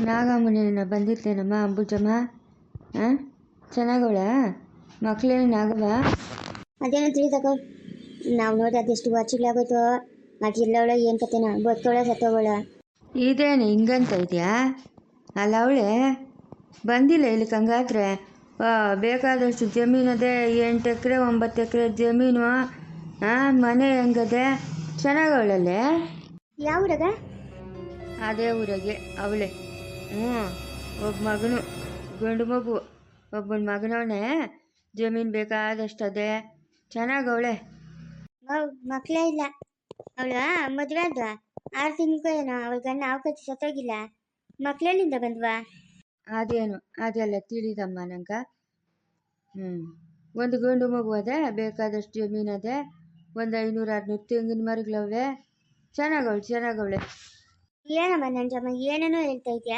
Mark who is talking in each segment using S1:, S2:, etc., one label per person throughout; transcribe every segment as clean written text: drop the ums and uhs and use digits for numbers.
S1: ನಾಗಮ್ಮನ ಬಂದಿರ್ತೇನಮ್ಮ ಅಂಬುಜಮ್ಮ. ಹಾಂ, ಚೆನ್ನಾಗವಳ ಮಕ್ಕಳೇನು ನಾಗವ?
S2: ಅದೇನೋ ತಿಳಿದಕ್ಕ. ನಾವು ನೋಡಿ ಅದೆಷ್ಟು ವರ್ಷಗಳಾಗೋಯ್ತು. ಆಕಿಲ್ಲವಳ ಏನು ಕತೆನ, ಬದುಕೋಳ ಸತ್ತೋಗೋಳ.
S1: ಇದೇನು ಹಿಂಗಂತ ಇದೆಯಾ? ಅಲ್ಲ ಅವಳೆ ಬಂದಿಲ್ಲ ಇಲ್ಲಿಗೆ. ಹಂಗಾದ್ರೆ ಬೇಕಾದಷ್ಟು ಜಮೀನದೆ, 8 ಎಕರೆ 9 ಎಕರೆ ಜಮೀನು. ಮನೆ ಹೆಂಗದೆ? ಚೆನ್ನಾಗವಳಲ್ಲೇ?
S2: ಯಾವ ಊರಾಗ?
S1: ಅದೇ ಊರಾಗೆ ಅವಳೆ. ಒಬ್ಬ ಮಗನು, ಗಂಡು ಮಗು, ಒಬ್ಬನ ಮಗನವನೇ. ಜಮೀನು ಬೇಕಾದಷ್ಟು ಅದೇ, ಚೆನ್ನಾಗವಳೆ.
S2: ಮಕ್ಕಳೇ ಇಲ್ಲ ಅವಳ. ಮದುವೆ ಆದ್ವಾ 6 ತಿಂಗಳು ಏನೋ. ಅವಳ ಗಂಡ ಅವಕಾಶ ಸತ್ತೋಗಿಲ್ಲ. ಮಕ್ಕಳೆಲ್ಲಿಂದ ಬಂದ್ವಾ?
S1: ಅದೇನು ಅದೆಲ್ಲ ತಿಳಿದಮ್ಮ ನಂಗೆ. ಒಂದು ಗಂಡು ಮಗು ಅದೇ, ಬೇಕಾದಷ್ಟು ಜಮೀನು ಅದೇ, ಒಂದು 500-600 ತೆಂಗಿನ ಮರಗಳವೆ. ಚೆನ್ನಾಗವಳೆ.
S2: ಏನಮ್ಮ ನಂಜಮ್ಮ ಏನೇನೋ ಹೇಳ್ತಾ ಇದೆಯಾ?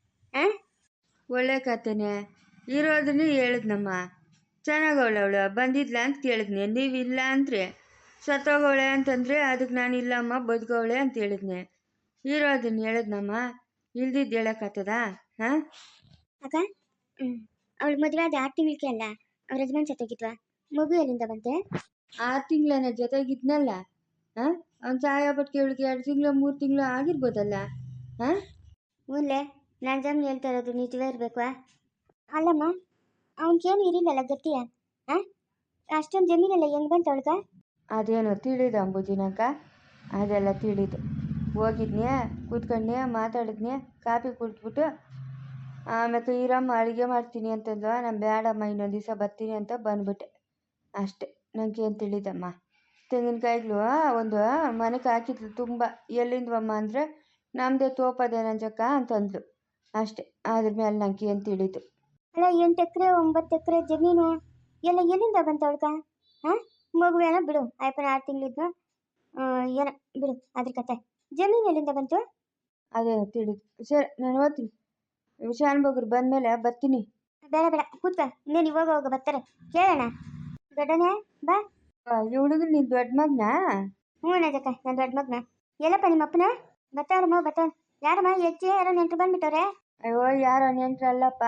S1: ಒಳ್ಳೆ ಕತೆನೆ ಇರೋದನ್ನೇ ಹೇಳಿದ್ನಮ್ಮ. ಚೆನ್ನಾಗವಳೆ ಅವಳು. ಬಂದಿದ್ಲ ಅಂತ ಕೇಳಿದ್ನೆ, ನೀವಿಲ್ಲ ಅಂದರೆ ಸತ್ತೋಗವಳೆ ಅಂತಂದರೆ ಅದಕ್ಕೆ ನಾನು ಇಲ್ಲಮ್ಮ ಬದುಕವಳೆ ಅಂತ ಹೇಳಿದ್ನೆ. ಇರೋದನ್ನ ಹೇಳಿದ್ನಮ್ಮ, ಇಲ್ದಿದ್ದು ಹೇಳೋಕ್ಕತ್ತದ?
S2: ಅಕ್ಕ, ಅವಳು ಮದುವೆ ಆದ 6 ತಿಂಗಳಿಗೆ ಅಲ್ಲ ಅವ್ರ ಯಜಮಾನ್ ಸತ್ತೋಗಿದ್ವಾ? ಮಗು ಎಲ್ಲಿಂದ ಬಂತೆ?
S1: 6 ತಿಂಗಳನ್ನ ಜೊತೆಗಿದ್ನಲ್ಲ. ಅವ್ನು ಸಹಾಯ ಪಟ್ಟು ಇವಳಿಗೆ 2 ತಿಂಗಳು 3 ತಿಂಗಳು ಆಗಿರ್ಬೋದಲ್ಲ.
S2: ಹ್ಞೂನ್ಲೆ, ನಾನು ಜಮೀನು ಹೇಳ್ತಾ ಇರೋದು ನಿಜವೇ ಇರಬೇಕು. ಅಲ್ಲಮ್ಮ, ಅವನಿಗೇನು ಇರಲಿಲ್ಲಲ್ಲ ಗಟ್ಟಿಯ? ಅಷ್ಟೊಂದು ಜಮೀನೆಲ್ಲ ಹೆಂಗೆ ಬಂತು ಅವಳ್ಗ?
S1: ಅದೇನೋ ತಿಳಿದು ಅಂಬುಜಿನಕ್ಕ, ಅದೆಲ್ಲ ತಿಳಿದು. ಹೋಗಿದ್ನೆ, ಕೂತ್ಕೊಂಡ್ನೆ, ಮಾತಾಡಿದ್ನೆ, ಕಾಫಿ ಕುಡಿದ್ಬಿಟ್ಟು ಆಮೇಲೆ ಈರಮ್ಮ ಅಡುಗೆ ಮಾಡ್ತೀನಿ ಅಂತಂದು, ನಾನು ಬೇಡಮ್ಮ ಇನ್ನೊಂದು ದಿವಸ ಬರ್ತೀನಿ ಅಂತ ಬಂದ್ಬಿಟ್ಟೆ ಅಷ್ಟೆ. ನನಗೇನು ತಿಳಿದಮ್ಮ. ತೆಂಗಿನಕಾಯಿಗಳು ಒಂದು ಮನೆಗೆ ಹಾಕಿದ್ಲು ತುಂಬ. ಎಲ್ಲಿಂದವಮ್ಮ ಅಂದರೆ ನಮ್ಮದೇ ತೋಪದೆ ನಂಜಕ್ಕ ಅಂತಂದ್ಲು ಅಷ್ಟೆ. ಅದ್ರ ಮೇಲೆ ನನಗೆ ಏನು ತಿಳಿದು.
S2: ಅಲ್ಲ, 8 ಎಕರೆ 9 ಎಕರೆ ಜಮೀನು ಎಲ್ಲ ಎಲ್ಲಿಂದ ಬಂತು ಅವಳ್ಗ? ಮಗುವೇನೋ ಬಿಡು, ಆಯ್ಪನ 6 ತಿಂಗಳಿದ್ನು, ಏನೋ ಬಿಡು ಅದ್ರ ಕತೆ. ಜಮೀನು ಎಲ್ಲಿಂದ ಬಂತು?
S1: ಅದೇನೋ ತಿಳಿದು. ಸರಿ, ನಾನು ಓದ್ತೀನಿ. ಶಾನ್ಭೋಗ್ರು ಬಂದಮೇಲೆ ಬರ್ತೀನಿ.
S2: ಬೇಡ ಕೂತ್ಕ, ಇನ್ನೇನು ಇವಾಗ ಹೋಗ ಬರ್ತಾರೆ, ಕೇಳೋಣ. ದೊಡ್ಡನೇ ಬಾ.
S1: ಈ ಹುಡುಗನ ನಿನ್ನ ದೊಡ್ಡ ಮಗನಾ?
S2: ಹ್ಞೂ ನಜಕ್ಕ, ನನ್ನ ದೊಡ್ಡ ಮಗನ. ಎಲ್ಲಪ್ಪ ನಿಮ್ಮ ಅಪ್ಪನ? ಬರ್ತಾವ್ರಮ್ಮ ಬರ್ತಾವ. ಯಾರಮ್ಮ ಹೆಚ್ಚು ಯಾರೋ ನೆಂಟರು ಬಂದ್ಬಿಟ್ಟವ್ರೆ?
S1: ಅಯ್ಯೋ, ಯಾರೋ ನೆಂಟ್ರಲ್ಲಪ್ಪ.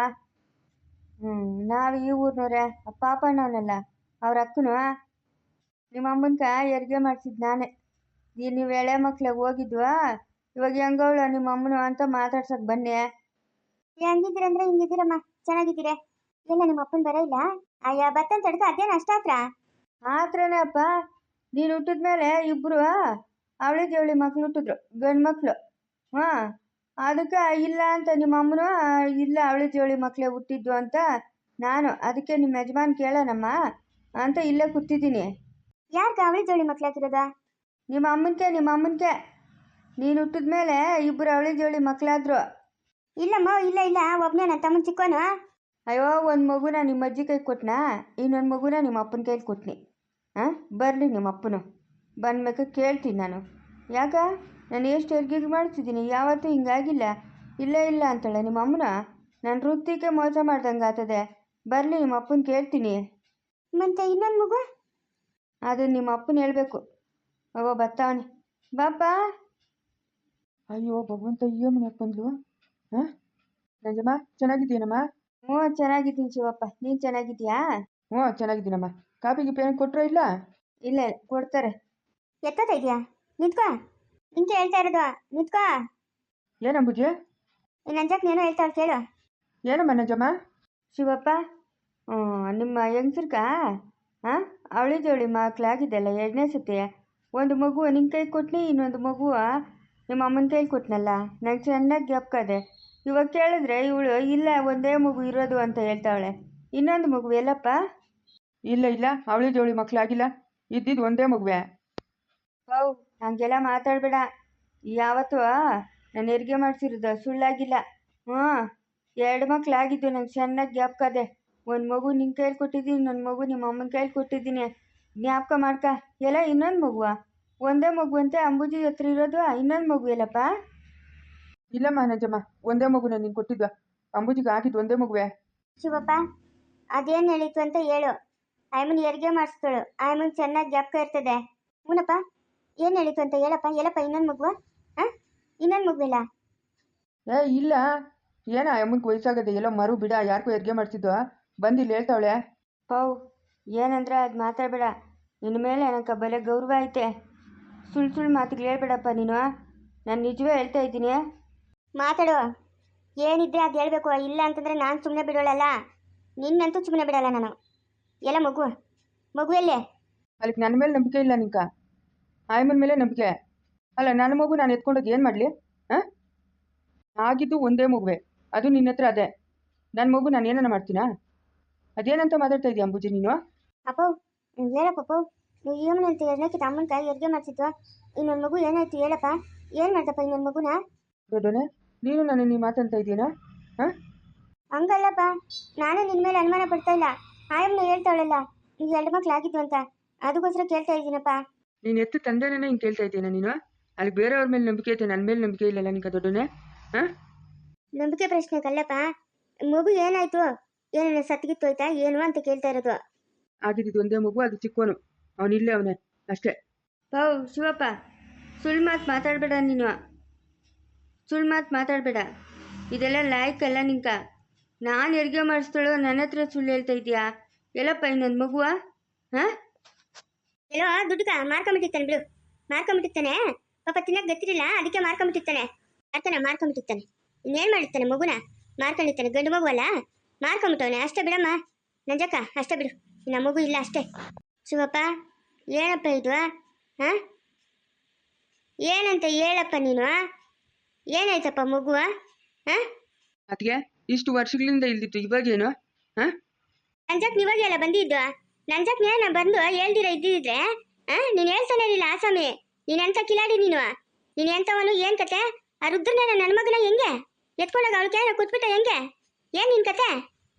S1: ನಾವು ಈ ಊರಿನವ್ರೆ. ಪಾಪಣ್ಣವನಲ್ಲ ಅವ್ರ ಅಕ್ಕನು. ನಿಮ್ಮ ಅಮ್ಮನ್ಕ ಹೆರಿಗೆ ಮಾಡಿಸಿದ್ದು ನಾನೇ. ನೀವು ಎಳೆ ಮಕ್ಳಿಗೆ ಹೋಗಿದ್ವಾ, ಇವಾಗ ಹೆಂಗವಳು ನಿಮ್ಮ ಅಮ್ಮನು ಅಂತ ಮಾತಾಡ್ಸಕ್ಕೆ ಬನ್ನಿ.
S2: ಹೆಂಗಿದ್ದೀರಂದ್ರೆ ಹಿಂಗಿದ್ದೀರಮ್ಮ, ಚೆನ್ನಾಗಿದ್ದೀರ? ಎಲ್ಲ ನಿಮ್ಮ ಅಪ್ಪನ ಬರ ಇಲ್ಲ? ಅಯ್ಯ ಬತ್ತಂತ ತಡ್ಕ, ಅದೇನು ಅಷ್ಟಾತ್ರ?
S1: ಆತ್ರನೇ ಅಪ್ಪ. ನೀನು ಹುಟ್ಟಿದ್ಮೇಲೆ ಇಬ್ಬರು ಅವಳಿ ಜವಳಿ ಮಕ್ಳು ಹುಟ್ಟಿದ್ರು, ಗಂಡು ಮಕ್ಕಳು. ಅದಕ್ಕೆ ಇಲ್ಲ ಅಂತ ನಿಮ್ಮ ಅಮ್ಮನು, ಇಲ್ಲ ಅವಳಿ ಜವಳಿ ಮಕ್ಕಳೇ ಹುಟ್ಟಿದ್ದು ಅಂತ ನಾನು. ಅದಕ್ಕೆ ನಿಮ್ಮ ಯಜಮಾನ್ ಕೇಳೋಣಮ್ಮ ಅಂತ ಇಲ್ಲೇ ಕೂತಿದ್ದೀನಿ.
S2: ಯಾಕೆ ಅವಳಿ ಜವಳಿ ಮಕ್ಳು ಹಾಕಿರೋದ?
S1: ನಿಮ್ಮ ಅಮ್ಮನ್ಕೆ. ನೀನು ಹುಟ್ಟಿದ್ಮೇಲೆ ಇಬ್ಬರು ಅವಳಿ ಜವಳಿ ಮಕ್ಕಳಾದ್ರು.
S2: ಇಲ್ಲಮ್ಮ, ಇಲ್ಲ ಒಬ್ಬನೇ ನನ್ನ ತಮ್ಮನ ಚಿಕ್ಕವನು.
S1: ಅಯ್ಯೋ, ಒಂದು ಮಗುನ ನಿಮ್ಮ ಅಜ್ಜಿ ಕೈಗೆ ಕೊಟ್ಟನಾ, ಇನ್ನೊಂದು ಮಗುನ ನಿಮ್ಮ ಅಪ್ಪನ ಕೈಗೆ ಕೊಟ್ನಿ. ಬರಲಿ ನಿಮ್ಮ ಅಪ್ಪನು, ಬಂದ್ಬೇಕು ಕೇಳ್ತೀನಿ ನಾನು. ಯಾಕ ನಾನು ಎಷ್ಟು ಹೆರಿಗೆ ಮಾಡ್ತಿದ್ದೀನಿ, ಯಾವತ್ತೂ ಹಿಂಗಾಗಿಲ್ಲ. ಇಲ್ಲ ಅಂತಾಳೆ ನಿಮ್ಮ ಅಮ್ಮನ. ನಾನು ವೃತ್ತಿಗೆ ಮೋಸ ಮಾಡ್ದಂಗೆ ಆಗ್ತದೆ. ಬರಲಿ ನಿಮ್ಮ ಅಪ್ಪನ ಕೇಳ್ತೀನಿ.
S2: ಮತ್ತೆ ಇನ್ನೊಂದು ಮಗು?
S1: ಅದು ನಿಮ್ಮ ಅಪ್ಪನ ಹೇಳ್ಬೇಕು. ಬರ್ತಾವನೆ, ಬಾಪ.
S3: ಅಯ್ಯೋ ಭಗವಂತ, ಈ ಮನೆ ಬಂದ್ಲು. ನಂಜಮ್ಮ ಚೆನ್ನಾಗಿದ್ದೀನಮ್ಮ?
S1: ಹ್ಞೂ ಚೆನ್ನಾಗಿದ್ದೀನಿ ಶಿವಪ್ಪ, ನೀನು ಚೆನ್ನಾಗಿದ್ದೀಯಾ?
S3: ಹ್ಞೂ ಚೆನ್ನಾಗಿದ್ದೀನಮ್ಮ. ಕಾಫಿ ಗಿಫಿ ಏನು ಕೊಟ್ಟರೋ?
S1: ಇಲ್ಲ ಕೊಡ್ತಾರೆ.
S2: ಎತ್ತೋತಾ ಇದೆಯಾ? ನಿಂತ್ಕೋ, ನಿಂಗೆ ಹೇಳ್ತಾ ಇರೋದು, ನಿಂತ್ಕೋ.
S3: ಏನಂಬುಜಿ?
S2: ನಂಜಕ್ಕನೇನೋ ಹೇಳ್ತಾಳೆ ಕೇಳು.
S3: ಏನಮ್ಮ ನಂಜಮ್ಮ?
S1: ಶಿವಪ್ಪ, ನಿಮ್ಮ ಹೆಂಗಸ್ರಕ ಅವಳಿ ಜವಳಿ ಮಕ್ಕಳಾಗಿದ್ದೆಲ್ಲ 2ನೇ ಸತಿ. ಒಂದು ಮಗು ನಿನ್ನ ಕೈ ಕೊಟ್ನಿ, ಇನ್ನೊಂದು ಮಗು ನಿಮ್ಮ ಅಮ್ಮನ ಕೈಲಿ ಕೊಟ್ನಲ್ಲ. ನಂಗೆ ಚೆನ್ನಾಗಿ ಜ್ಞಾಪಕದೆ. ಇವಾಗ ಕೇಳಿದ್ರೆ ಇವಳು ಇಲ್ಲ ಒಂದೇ ಮಗು ಇರೋದು ಅಂತ ಹೇಳ್ತಾವಳೆ. ಇನ್ನೊಂದು ಮಗು ಎಲ್ಲಪ್ಪ?
S3: ಇಲ್ಲ ಅವಳಿ ಜವಳಿ ಮಕ್ಕಳಾಗಿಲ್ಲ, ಇದ್ದಿದ್ದು ಒಂದೇ ಮಗುವೆ.
S1: ಹಂಗೆಲ್ಲ ಮಾತಾಡಬೇಡ. ಯಾವತ್ತೂ ನಾನು ಹೆರಿಗೆ ಮಾಡಿಸಿರೋದು ಸುಳ್ಳಾಗಿಲ್ಲ. 2 ಮಕ್ಕಳಾಗಿದ್ದು ನಂಗೆ ಚೆನ್ನಾಗಿ ಜ್ಞಾಪಕದೆ. ಒಂದು ಮಗು ನಿನ್ನ ಕೈಲಿ ಕೊಟ್ಟಿದ್ದೀನಿ, ಇನ್ನೊಂದು ಮಗು ನಿಮ್ಮ ಅಮ್ಮನ ಕೈಲಿ ಕೊಟ್ಟಿದ್ದೀನಿ. ಜ್ಞಾಪಕ ಮಾಡ್ಕ. ಎಲ್ಲ ಇನ್ನೊಂದು ಮಗುವ? ಒಂದೇ ಮಗು ಅಂತೆ ಅಂಬುಜಿ ಹತ್ರ ಇರೋದು. ಇನ್ನೊಂದು ಮಗು ಎಲ್ಲಪ್ಪ?
S3: ಇಲ್ಲಮ್ಮ ನಂಜಮ್ಮ, ಒಂದೇ ಮಗುನ ನೀನು ಕೊಟ್ಟಿದ್ವ. ಅಂಬುಜಿಗೆ ಆಗಿದ್ದು ಒಂದೇ ಮಗುವೆ.
S2: ಶಿವಪ್ಪ, ಅದೇನು ಹೇಳಿತ್ತು ಅಂತ ಹೇಳು. ಆಯಮ್ಮನ ಹೆರಿಗೆ ಮಾಡಿಸ್ತಾಳು, ಆಯಮ್ಮನ ಚೆನ್ನಾಗಿ ಜ್ಞಾಪಕ ಇರ್ತದೆ. ಹ್ಞೂನಪ್ಪ, ಏನು ಹೇಳಿತ್ತು ಅಂತ ಹೇಳಪ್ಪ. ಇನ್ನೊಂದು ಮಗುವ? ಇನ್ನೊಂದು ಮಗುವಿಲ್ಲ?
S3: ಇಲ್ಲ, ಏನ ಅಮ್ಮನಿಗೆ ವಯಸ್ಸಾಗದೆ ಎಲ್ಲೋ ಮರು ಬಿಡ ಯಾರಿಗೂ ಹೆರಿಗೆ ಮಾಡ್ತಿದ್ದೋ ಬಂದು ಇಲ್ಲಿ ಹೇಳ್ತಾವಳೆ.
S1: ಪೌ ಏನಂದ್ರೆ ಅದು ಮಾತಾಡಬೇಡ. ನಿನ್ನ ಮೇಲೆ ನನಗೆ ಬಲೆ ಗೌರವ ಐತೆ. ಸುಳ್ಳು ಮಾತುಗಳು ಹೇಳ್ಬೇಡಪ್ಪ ನೀನು. ನಾನು ನಿಜವೇ ಹೇಳ್ತಾ ಇದ್ದೀನಿ.
S2: ಮಾತಾಡು, ಏನಿದ್ರೆ ಅದು ಹೇಳ್ಬೇಕು. ಇಲ್ಲ ಅಂತಂದರೆ ನಾನು ಸುಮ್ಮನೆ ಬಿಡೋಳಲ್ಲ, ನಿನ್ನಂತೂ ಸುಮ್ಮನೆ ಬಿಡಲ್ಲ ನಾನು. ಎಲ್ಲ ಮಗು ಎಲ್ಲೇ?
S3: ಅಲ್ಲಿಗೆ ನನ್ನ ಮೇಲೆ ನಂಬಿಕೆ ಇಲ್ಲ ನಿಂಕ, ಆಯಮ್ಮನ ಮೇಲೆ ನಂಬಿಕೆ. ಅಲ್ಲ ನನ್ನ ಮಗು ನಾನು ಎತ್ಕೊಂಡೋಗಿ ಏನು ಮಾಡಲಿ? ಹಾಂ, ಆಗಿದ್ದು ಒಂದೇ ಮಗುವೆ, ಅದು ನಿನ್ನ ಹತ್ರ ಅದೇ. ನನ್ನ ಮಗು ನಾನು ಏನನ್ನ ಮಾಡ್ತೀನಾ? ಅದೇನಂತ ಮಾತಾಡ್ತಾ ಇದೀಯ ಅಂಬುಜಿ ನೀನು?
S2: ಅಪ್ಪ ಹೇಳಪ್ಪ, ನೀವು ಏನಂತ ಎರಡನೇಕಿತ ಅಮ್ಮನ ಕೈ ಹೆರಿಗೆ ಮಾಡ್ತಿದ್ವ. ಇನ್ನೊಂದು ಮಗು ಏನಾಯ್ತು ಹೇಳಪ್ಪ, ಏನು ಮಾಡ್ದಪ್ಪ ಇನ್ನೊಂದು ಮಗುನ?
S3: ದೊಡ್ಡೋನೆ, ನೀನು ನಾನು ನೀ ಮಾತಾಡ್ತಾ ಇದೀಯಾ? ಹಾಂ,
S2: ಹಂಗಲ್ಲಪ್ಪ, ನಾನು ನಿನ್ನ ಮೇಲೆ ಅನುಮಾನ ಪಡ್ತಾ ಇಲ್ಲ. ಆಯಮ್ಮನ ಹೇಳ್ತಾವಳಲ್ಲ ನೀವು 2 ಮಕ್ಳು ಆಗಿದ್ವು ಅಂತ, ಅದಕ್ಕೋಸ್ಕರ ಕೇಳ್ತಾ ಇದ್ದೀನಪ್ಪ.
S3: ನೀನು ಎತ್ತು ತಂದೆನೇ ಹಿಂಗೆ ಕೇಳ್ತಾ ಇದ್ದೀನ ನೀನು? ಅಲ್ಲಿ ಬೇರೆಯವ್ರ ಮೇಲೆ ನಂಬಿಕೆ ಐತೆ, ನನ್ನ ಮೇಲೆ ನಂಬಿಕೆ ಇಲ್ಲಲ್ಲ ನಿಂಕ ದೊಡ್ಡೋನೆ? ಹಾಂ,
S2: ನಂಬಿಕೆ ಪ್ರಶ್ನೆ ಕಲ್ಲಪ್ಪ. ಮಗು ಏನಾಯ್ತು, ಏನೇನು ಸತ್ತಿಗಿತ್ತೋಯ್ತಾ ಏನು ಅಂತ ಕೇಳ್ತಾ ಇರೋದು.
S3: ಆಗಿದ್ದು ಒಂದೇ ಮಗು, ಅದು ಚಿಕ್ಕವನು, ಅವನಿಲ್ಲೇ ಅವನೇ ಅಷ್ಟೇ.
S1: ಪೌ ಶಿವಪ್ಪ, ಸುಳ್ಳು ಮಾತು ಮಾತಾಡಬೇಡ ನೀನು. ಸುಳ್ಳು ಮಾತು ಮಾತಾಡಬೇಡ. ಇದೆಲ್ಲ ಲಾಯ್ಕಲ್ಲ ನಿಂಕ. ನಾನು ಹೆರಿಗೆ ಮಾಡಿಸ್ತಾಳೋ ನನ್ನ ಹತ್ರ ಸುಳ್ಳು ಹೇಳ್ತಾ ಇದೀಯಾ? ಎಲ್ಲಪ್ಪ ಇನ್ನೊಂದು ಮಗುವ? ಹಾಂ,
S2: ಎಲ್ಲೋ ದುಡ್ಡುಗ ಮಾರ್ಕೊಂಬಿಟ್ಟಿರ್ತಾನೆ ಬಿಡು, ಮಾರ್ಕೊಂಬಿಟ್ಟಿರ್ತಾನೆ. ಪಾಪ ತಿನ್ನಕ್ಕೆ ಗೊತ್ತಿರಲಿಲ್ಲ, ಅದಕ್ಕೆ ಮಾರ್ಕೊಂಬಿಟ್ಟಿರ್ತಾನೆ. ಮಾರ್ಕೊಂಬಿಟ್ಟಿರ್ತಾನೆ. ಇನ್ನೇನು ಮಾಡಿರ್ತಾನೆ ಮಗುನ? ಮಾರ್ಕೊಂಡಿರ್ತಾನೆ. ಗಂಡು ಮಗು ಅಲ್ಲ, ಮಾರ್ಕೊಂಬಿಟ್ಟವನೆ ಅಷ್ಟೇ ಬಿಡಮ್ಮ. ನಂಜಕ್ಕ ಅಷ್ಟೇ ಬಿಡು, ಇನ್ನು ಮಗು ಇಲ್ಲ ಅಷ್ಟೇ. ಶಿವಪ್ಪ ಏನಪ್ಪ ಇದು? ಹಾಂ, ಏನಂತ ಹೇಳಪ್ಪ ನೀನು? ಏನಾಯ್ತಪ್ಪ ಮಗುವ? ಹಾಂ,
S3: ಅದಕ್ಕೆ ಇಷ್ಟು ವರ್ಷಗಳಿಂದ ಇಲ್ದಿತ್ತು, ಇವಾಗೇನು? ಹಾಂ,
S2: ನಂಜಕ್ ನೀವಾಗ ಎಲ್ಲ ಬಂದಿದ್ದು. ನಂಜಕ್ ನಾನು ಬಂದು ಹೇಳ್ದಿರ ಇದ್ದಿದ್ರೆ ನೀನು ಹೇಳ್ತಾನೆ ಇರಲಿಲ್ಲ ಆಸಾಮಿ. ನೀನೆಂತ ಕಿಲಾಡಿ ನೀನು, ನೀನು ಎಂಥವನು? ಏನು ಕತೆ? ಆ ರುದ್ರನ ನನ್ನ ಮಗನ ಹೆಂಗೆ ಎತ್ಕೊಂಡಾಗ ಅವಳು ಕೇಳ ಕೂತ್ಬಿಟ್ಟ ಹೆಂಗೆ? ಏನು ನಿನ್ನ ಕತೆ?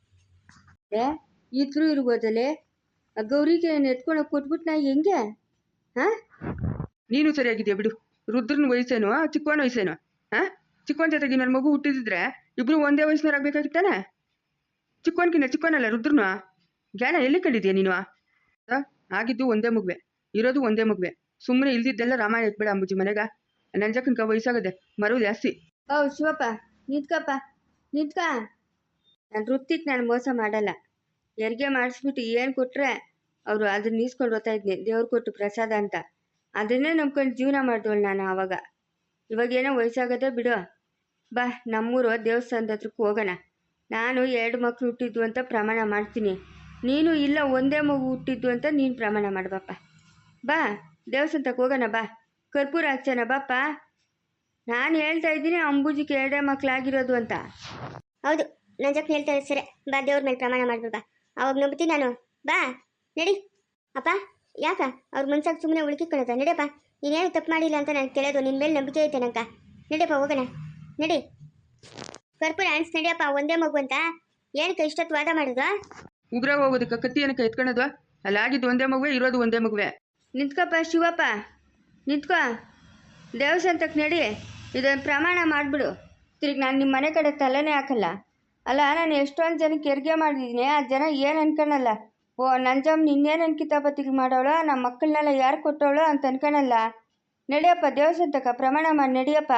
S1: ಇದ್ರು ಇರ್ಬೋದಲ್ಲೇ ಆ ಗೌರಿಗೆ ಎತ್ಕೊಂಡೋಗಿ ಕೊಟ್ಬಿಟ್ಟು ನಾ ಹೆಂಗೆ? ಹಾಂ,
S3: ನೀನು ಸರಿಯಾಗಿದೆಯಾ ಬಿಡು. ರುದ್ರನ ವಯಸ್ಸೇನು, ಚಿಕ್ಕವನ ವಯಸ್ಸೇನು? ಹಾಂ, ಚಿಕ್ಕವನ ಜೊತೆಗೆ ನನ್ನ ಮಗು ಹುಟ್ಟಿದ್ರೆ ಇಬ್ರು ಒಂದೇ ವಯಸ್ಸಿನವರಾಗಬೇಕಾಗಿತ್ತಾನೆ. ಚಿಕ್ಕವನಲ್ಲ ರುದ್ರನು. ಜ್ಞಾನ ಎಲ್ಲಿ ಕಂಡಿದ್ಯಾ ನೀನು? ಆಗಿದ್ದು ಒಂದೇ ಮಗುವೆ, ಇರೋದು ಒಂದೇ ಮಗುವೆ. ಸುಮ್ಮನೆ ಇಲ್ದಿದ್ದೆಲ್ಲ ರಾಮಾಯಣ ಇಟ್ಬೇಡ ಅಂಬುಜಿ ಮನೆಗ. ನಂಜಕ್ಕನ್ಕ ವಯಸ್ಸಾಗದೆ ಮರು ಜಾಸ್ತಿ.
S1: ಓ ಶಿವಪ್ಪ ನಿಂತ್ಕಪ್ಪ, ನಿಂತ್ಕ. ನಾನು ವೃತ್ತಿಗೆ ನಾನು ಮೋಸ ಮಾಡಲ್ಲ. ಹೆರಿಗೆ ಮಾಡಿಸ್ಬಿಟ್ಟು ಏನು ಕೊಟ್ಟರೆ ಅವರು ಅದನ್ನ ಈಸ್ಕೊಂಡು ಓದ್ತಾ ಇದ್ನಿ, ದೇವ್ರು ಕೊಟ್ಟು ಪ್ರಸಾದ ಅಂತ. ಅದನ್ನೇ ನಂಬ್ಕೊಂಡು ಜೀವನ ಮಾಡಿದವಳು ನಾನು ಆವಾಗ. ಇವಾಗೇನೋ ವಯಸ್ಸಾಗದೆ ಬಿಡು. ಬಾ, ನಮ್ಮೂರು ದೇವಸ್ಥಾನದ ಹತ್ರಕ್ಕೆ ಹೋಗೋಣ. ನಾನು 2 ಮಕ್ಕಳು ಹುಟ್ಟಿದ್ದು ಅಂತ ಪ್ರಮಾಣ ಮಾಡ್ತೀನಿ. ನೀನು ಇಲ್ಲ ಒಂದೇ ಮಗು ಹುಟ್ಟಿದ್ದು ಅಂತ ನೀನು ಪ್ರಮಾಣ ಮಾಡಬಪ್ಪ. ಬಾ, ದೇವಸ್ಥಾನಕ್ಕೆ ಹೋಗೋಣ. ಬಾ, ಕರ್ಪೂರ ಹಚ್ಚೋಣ ಬಾಪ್ಪ. ನಾನು ಹೇಳ್ತಾ ಇದ್ದೀನಿ ಅಂಬುಜಿಗೆ 2 ಮಕ್ಕಳಾಗಿರೋದು ಅಂತ.
S2: ಹೌದು, ನಂಜಕ್ ಹೇಳ್ತಾರೆ ಸರಿ. ಬಾ, ದೇವ್ರ ಮೇಲೆ ಪ್ರಮಾಣ ಮಾಡ್ಬಿಡು. ಬಾ, ಅವಾಗ ನಂಬ್ತೀನಿ ನಾನು. ಬಾ ನಡಿ. ಅಪ್ಪ ಯಾಕ ಅವ್ರ ಮನ್ಸಾಗ ಸುಮ್ಮನೆ ಉಳ್ಕಿಕೊಳ್ಳೋದ? ನಡಿಯಪ್ಪ, ನೀನೇನು ತಪ್ಪು ಮಾಡಿಲ್ಲ ಅಂತ ನನಗೆ ತಿಳಿಯೋದು. ನಿನ್ನ ಮೇಲೆ ನಂಬಿಕೆ ಐತೆ ನಂಕ. ನಡಿಯಪ್ಪ ಹೋಗೋಣ, ನಡಿ. ಕರ್ಪೂರ ಅನ್ಸ್ ನಡಿಯಪ್ಪ. ಒಂದೇ ಮಗು ಅಂತ ಏನಕ್ಕೆ ಇಷ್ಟೊತ್ತು ವಾದ ಮಾಡೋದು?
S3: ಉಗ್ರ ಹೋಗೋದಕ್ಕೆ ಕತ್ತಿ ಏನಕ್ಕೆ ಎತ್ಕೊಳ್ಳೋದು? ಅಲ್ಲಾಗಿದ್ದು ಒಂದೇ ಮಗುವೆ, ಇರೋದು ಒಂದೇ ಮಗುವೆ.
S1: ನಿಂತ್ಕಪ್ಪ ಶಿವಪ್ಪ, ನಿಂತ್ಕೋ. ದೇವಸ್ಥಾನಕ್ಕೆ ನಡಿ, ಇದೊಂದು ಪ್ರಮಾಣ ಮಾಡಿಬಿಡು. ತಿರುಗಿ ನಾನು ನಿಮ್ಮ ಮನೆ ಕಡೆ ತಲೆನೇ ಹಾಕಲ್ಲ. ಅಲ್ಲ, ನಾನು ಎಷ್ಟೊಂದು ಜನಕ್ಕೆ ಹೆರಿಗೆ ಮಾಡಿದ್ದೀನಿ. ಆ ಜನ ಏನು ಅನ್ಕೊಳಲ್ಲ. ಓ ನಂಜಮ್ಮ ನಿನ್ನೇನು ಕಿತಾಪತಿಗೆ ಮಾಡೋಳು, ನಮ್ಮ ಮಕ್ಕಳನ್ನೆಲ್ಲ ಯಾರು ಕೊಟ್ಟವಳು ಅಂತ ಅನ್ಕೊಳಲ್ಲ. ನಡಿಯಪ್ಪ ದೇವಸ್ಥಾನಕ್ಕೆ ಪ್ರಮಾಣ ಮಾಡಿ ನಡಿಯಪ್ಪ.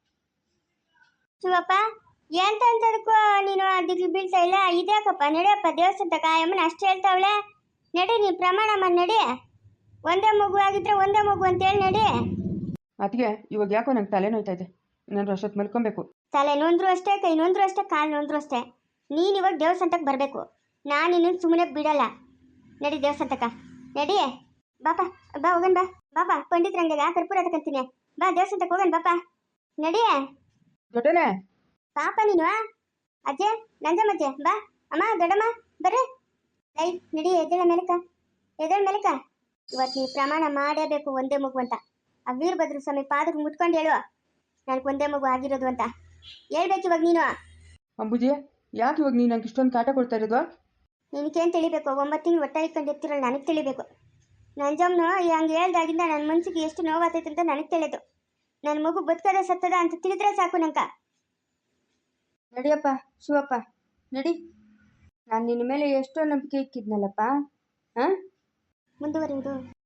S2: ಶಿವಪ್ಪ ಎಂತ ಅಂತದಕ್ಕೂ ನೀನು ದಿಗ್ಲು ಬೀಳ್ತಾ ಇಲ್ಲ. ಇದ್ಯಾಕಪ್ಪ? ನಡಿಯಪ್ಪ ದೇವಸ್ಥಾನಕ್ಕ. ಅಮ್ಮನ ಅಷ್ಟು ಹೇಳ್ತಾವಳೆ. ನಡಿ, ನೀನು ಪ್ರಮಾಣ ಮಾಡಿ ನಡಿ. ಒಂದೇ ಮಗು ಆಗಿದ್ರೆ ಒಂದೇ ಮಗು ಅಂತೇಳಿ ನಡಿ.
S3: ಅದಕ್ಕೆ ಇವಾಗ ಯಾಕೋ ನಂಗೆ ತಲೆ ನೋಯ್ತಾ ಇದೆ. ನಾನು ಅಷ್ಟೊತ್ತು ಮಲ್ಕೊಬೇಕು.
S2: ತಲೆ ನೋಂದ್ರು ಅಷ್ಟೇ, ಕೈ ನೋಂದ್ರು ಅಷ್ಟೇ, ಕಾಲು ನೋಂದ್ರು ಅಷ್ಟೇ. ನೀನು ಇವಾಗ ದೇವಸ್ಥಾನಕ್ಕೆ ಬರಬೇಕು. ನಾನು ಇನ್ನೊಂದು ಸುಮ್ಮನೆ ಬಿಡಲ್ಲ. ನಡಿ ದೇವಸ್ಥಾನಕ್ಕ, ನಡಿ. ಬಾಪ ಬಾ ಹೋಗೋಣ. ಬಾ ಬಾಪ, ಪಂಡಿತರಂಗೆಗ ಕರ್ಪೂರ ತಗೊಂತೀನಿ. ಬಾ ದೇವಸ್ಥಾನಕ್ಕೆ ಹೋಗೋಣ ಬಾಪ, ನಡಿ.
S3: ದೊಡ್ಡನೆ
S2: ಪಾಪ ನೀನು ಅಜ್ಜೆ, ನಂಜಮ್ಮಜ್ಜೆ, ಬಾ. ಅಮ್ಮ, ದೊಡ್ಡಮ್ಮ ಬರ್ರಿ. ಐ ನಡಿ, ಎದ್ದೇಳ ಮೇಲಕ್ಕ, ಎದ್ದೇಳ ಮೇಲಕ್ಕ. ಇವತ್ತು ನೀ ಪ್ರಮಾಣ ಮಾಡೇಬೇಕು ಒಂದೇ ಮಗು ಅಂತ. ಆ ವೀರಭದ್ರ ಸ್ವಾಮಿ ಪಾದಕ್ಕೆ ಮುಟ್ಕೊಂಡು ಹೇಳು ನನಗೆ ಒಂದೇ ಮಗು ಆಗಿರೋದು ಅಂತ ಹೇಳ್ಬೇಕು ಇವಾಗ ನೀನು.
S3: ಅಂಬುಜಿ, ಯಾಕೆ ಇವಾಗ ನೀನು ನಂಗೆ ಇಷ್ಟೊಂದು ಕಾಟ ಕೊಡ್ತಾ ಇರೋದು?
S2: ನಿನಗೇನು ತಿಳಿಬೇಕು? 9 ತಿಂಗಳು ಒಟ್ಟಾಗಿ ಇಟ್ಕೊಂಡು ಇರ್ತಿರಲ್ಲ, ನನಗೆ ತಿಳಿಬೇಕು. ನಂಜಮ್ಮನು ಹಂಗೆ ಹೇಳ್ದಾಗಿಂದ ನನ್ನ ಮನಸ್ಸಿಗೆ ಎಷ್ಟು ನೋವಾಗ್ತೈತೆ ಅಂತ ನನಗೆ ತಿಳಿದು. ನನ್ನ ಮಗು ಬದುಕದ ಸತ್ತದ ಅಂತ ತಿಳಿದ್ರೆ ಸಾಕು ನಂಕ.
S1: ನಡಿಯಪ್ಪ ಶಿವಪ್ಪ, ನಡಿ. ನಾನು ನಿನ್ನ ಮೇಲೆ ಎಷ್ಟೋ ನಂಬಿಕೆ ಇಕ್ಕಿದ್ನಲ್ಲಪ್ಪ. ಹಾಂ,
S2: ಮುಂದುವರಿಯುವುದು